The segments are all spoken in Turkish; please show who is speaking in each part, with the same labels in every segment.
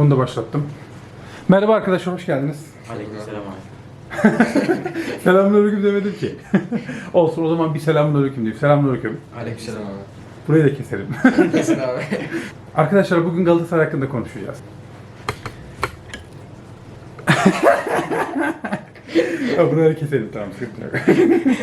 Speaker 1: Bunu da başlattım. Merhaba arkadaşlar, hoş geldiniz.
Speaker 2: Aleykümselam abi.
Speaker 1: Selamünaleyküm demedim ki. Olsun, o zaman bir selamünaleyküm diyeyim. Selamünaleyküm.
Speaker 2: Aleykümselam abi.
Speaker 1: Burayı da keselim.
Speaker 2: Kesin abi.
Speaker 1: Arkadaşlar bugün Galatasaray hakkında konuşacağız. Buraları keselim, tamam, sıkıntı yok.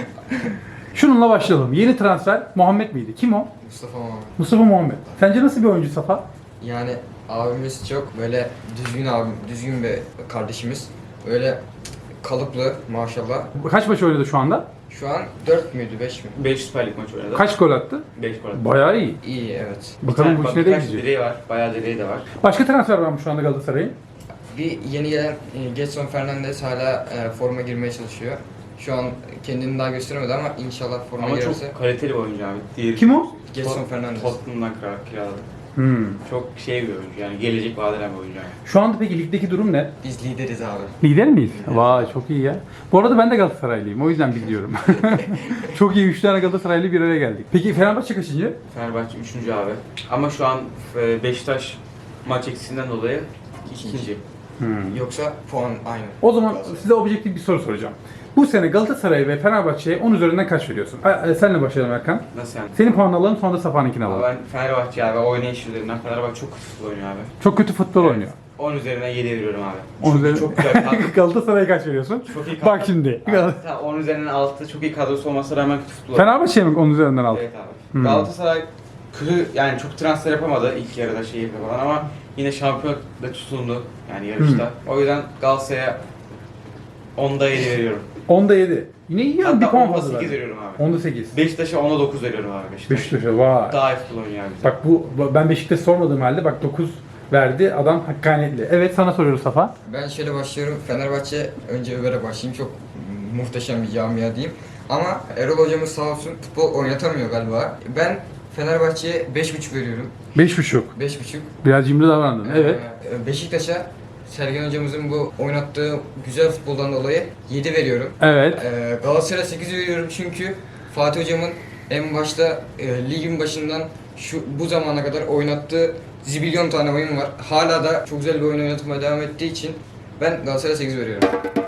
Speaker 1: Şununla başlayalım. Yeni transfer Muhammed miydi? Kim o?
Speaker 2: Mustafa abi.
Speaker 1: Mustafa Muhammed. Sence nasıl bir oyuncu Safa?
Speaker 2: Yani abimiz çok böyle düzgün abim, düzgün bir kardeşimiz. Böyle kalıplı maşallah.
Speaker 1: Kaç maç oynadı şu anda?
Speaker 2: Şu an 4 müydü 5 mi?
Speaker 3: 5 Süper Lig maçı oynadı.
Speaker 1: Kaç gol attı?
Speaker 3: 5 gol attı.
Speaker 1: Bayağı iyi.
Speaker 2: İyi evet.
Speaker 1: Bakalım bu iş nereye
Speaker 3: birkaç
Speaker 1: gidecek?
Speaker 3: direği var. Bayağı direği de var.
Speaker 1: Başka transfer var mı şu anda Galatasaray'ın?
Speaker 2: Bir yeni gelen Gedson Fernandes hala forma girmeye çalışıyor. Şu an kendini daha gösteremedi ama inşallah forma
Speaker 3: Ama
Speaker 2: girerse.
Speaker 3: çok kaliteli bir oyuncu abi. Diğeri
Speaker 1: Kim o?
Speaker 2: Gedson Fernandes.
Speaker 3: Tottenham'dan kiraladı. Çok şey bir oyuncu yani gelecek vadeden bir oyuncu yani.
Speaker 1: Şu anda peki ligdeki durum ne?
Speaker 2: Biz lideriz abi.
Speaker 1: Lider miyiz? Vay, çok iyi ya. Bu arada ben de Galatasaraylıyım, o yüzden biliyorum. Çok iyi, 3 tane Galatasaraylı bir araya geldik. Peki Fenerbahçe kaçıncı?
Speaker 3: Fenerbahçe 3. abi. Ama şu an Beşiktaş maç eksiğinden dolayı 2.
Speaker 2: Yoksa puan aynı.
Speaker 1: O zaman size objektif bir soru soracağım. Bu sene Galatasaray ve Fenerbahçe'ye 10 üzerinden kaç veriyorsun? Senle başlayalım Erkan.
Speaker 3: Nasıl yani?
Speaker 1: Senin puanını alalım, sonra da Safa'nınkini
Speaker 3: Ama
Speaker 1: alalım.
Speaker 3: ben Fenerbahçe abi oynayış üzerinden Fenerbahçe çok kötü futbol oynuyor abi.
Speaker 1: Çok kötü futbol oynuyor.
Speaker 3: 10 üzerinden 7 veriyorum abi.
Speaker 1: 10 üzerinden...
Speaker 3: Çok güzel kadro.
Speaker 1: Galatasaray'a kaç veriyorsun?
Speaker 3: Çok iyi kadro.
Speaker 1: Bak şimdi.
Speaker 3: Tamam, 10 üzerinden 6 çok iyi kadrosu olmasına rağmen kötü futbol oynuyor.
Speaker 1: Fenerbahçe'ye mi 10 üzerinden aldın?
Speaker 3: Evet abi. Galatasaray kötü yani çok transfer yapamadı ilk yarıda falan ama yine şampiyon da tutundu yani yarışta. O yüzden Galatasaray'a 10'da 7 veriyorum.
Speaker 1: 10'da 7. Yine iyi yani, bir
Speaker 3: Hatta
Speaker 1: puan
Speaker 3: 10'da
Speaker 1: fazla
Speaker 3: 8
Speaker 1: verdi.
Speaker 3: veriyorum abi.
Speaker 1: 10'da 8.
Speaker 3: Beşiktaş'a 10'da 9 veriyorum abi Beşiktaş.
Speaker 1: Beşiktaş'a vay.
Speaker 3: Daha iyi futbol oynuyor abi.
Speaker 1: Bak ben Beşiktaş sormadığım halde bak 9 verdi, adam hakkaniyetli. Evet, sana soruyoruz Safa.
Speaker 2: Ben şöyle başlıyorum. Fenerbahçe, önce Ömer'e başlayayım. Çok muhteşem bir camia diyeyim. Ama Erol hocamız sağ olsun futbol oynatamıyor galiba. Ben Fenerbahçe'ye 5,5 veriyorum.
Speaker 1: 5,5.
Speaker 2: 5,5.
Speaker 1: Biraz cimri davrandın. Evet.
Speaker 2: Beşiktaş'a Sergen hocamızın bu oynattığı güzel futboldan dolayı 7 veriyorum.
Speaker 1: Evet.
Speaker 2: Galatasaray'a 8 veriyorum çünkü Fatih hocamın en başta ligin başından bu zamana kadar oynattığı zibilyon tane oyun var. Hala da çok güzel bir oyun oynatmaya devam ettiği için ben Galatasaray'a 8 veriyorum.